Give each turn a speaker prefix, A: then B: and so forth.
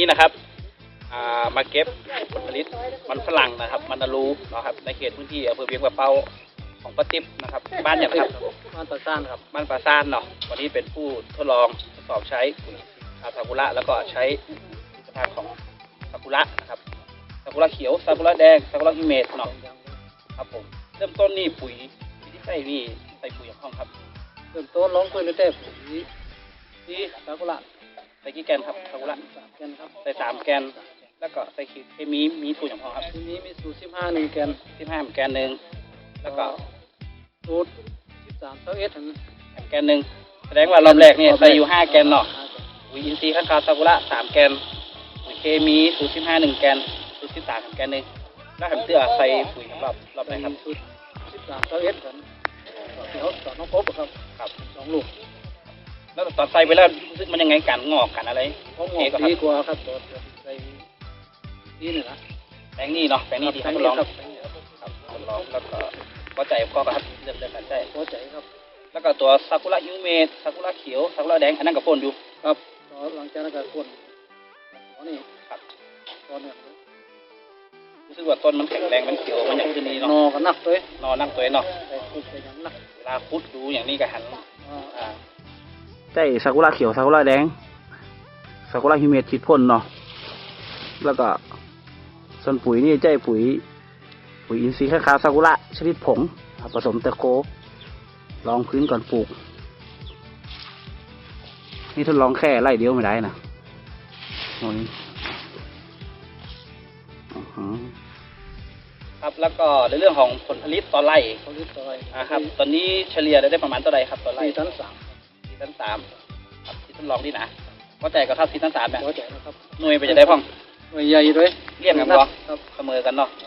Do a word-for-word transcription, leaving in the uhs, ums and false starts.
A: นี้นะครับมาเก็บผลผลิตมันฝรั่งนะครับมันนารูนะครับในเขตพื้นที่อำเภอเวียงป่าเป้าของป้าติ๊บนะครับบ้านอย่างครับ
B: บ้านปราซ่านครับ
A: บ้านปราซ่านเนาะวันนี้เป็นผู้ทดลองทดสอบใช้ปุ๋ยซากุระแล้วก็ใช้ผลิตภัณฑ์ของซากุระนะครับซากุระเขียวซากุระแดงซากุระฮิเมะเนาะครับผมเริ่มต้นนี่ปุ๋ยที่ใส่นี่ใส่ปุ๋ยของครับ
B: เริ่มต้นลงปุ๋ยในเต้ปุ๋ยที่ซากุระ
A: ใส่กี่แกนครับซากุระ
B: สามแกนครับ
A: ใส่สามแกนแล้วก็ใส่เคมีมีสูตรอย่างพอครับ
B: ทีนี้มีสูตรสิบห้าหนึ่งแกน
A: สิบห้าแกนหนึ่งแล้วก็
B: สูตรสิบสามเท่าเอสถึง
A: แกนหนึ่งแสดงว่ารอบแรกเนี่ยใส่อยู่ห้าแกนเนาะปุ๋ยอินทรีย์ข้างคาวซากุระสามแกนปุ๋ยเคมีสูตรสิบห้าหนึ่งแกนสูตรสิบสามแกนหนึ่งแล้วหันเตื้อใส่ปุ๋ยรอบรอบไหนครับ
B: สูตรสิบสามเท่าเอสถึงเดี๋ยวต่อน้องพบครับ
A: ครับ
B: สองลูก
A: แล้วตอนใส่ไปแล้วรู้สึกมันยังไงกันงอกกันอะไร
B: งอกดีกว่าครับตัวใส่นี่นี่นะ
A: แปลงนี้เนาะแปลงนี้ดีครับทดลองครับทดลองแล้วก็พอใจก็ครับเริ่มเริ่มกันใจ
B: พอใจครับ
A: แล้วก็ตัวซากุระฮิเมะซากุระเขียวซากุระแดงอันนั้นกับพ่นอยู่
B: ครับหลังจากนั้นก็พ่นอ๋อนี่
A: ครับ
B: ตอนนี้
A: รู้สึกว่าต้นมันแข็งแรงมันเขียวมันอย่างที่นี้เนาะ
B: นอก็นักเลย
A: นอนักตัวเนาะ
B: แต่คุดไปอย่างนัก
A: เวลาคุดดูอย่างนี้ก็หัน
B: อ่า
A: ใช่ซากุระเขียวซากุระแดงซากุระฮิเมะฉีดพ่นเนาะแล้วก็ส่วนปุ๋ยนี่ใช่ปุ๋ยปุ๋ยอินทรีย์ข้าวซากุระชนิดผงผสมตะโกลองพื้นก่อนปลูกนี่ทดลองแค่ไร่เดียวไม่ได้นะโอ้ยครับแล้วก็ในเรื่องของผลผลิตต่อไร่
B: ผลผลิตต่อไร่
A: นะครับตอนนี้เฉลี่ยได้ประมาณเท่าไรครับต่อไร่
B: สี่ตันสาม
A: สี่ตันสามครับที่ทดลองนี่นะว่าแต่ก็เท่าสี่ตันสามเนี่ย
B: ว่าแต่นะครับ
A: หน่วยไปจะได้พ่อง
B: หน่วยใหญ่ด้วย
A: เรียกกันบ่ครับเสมอกันเนาะ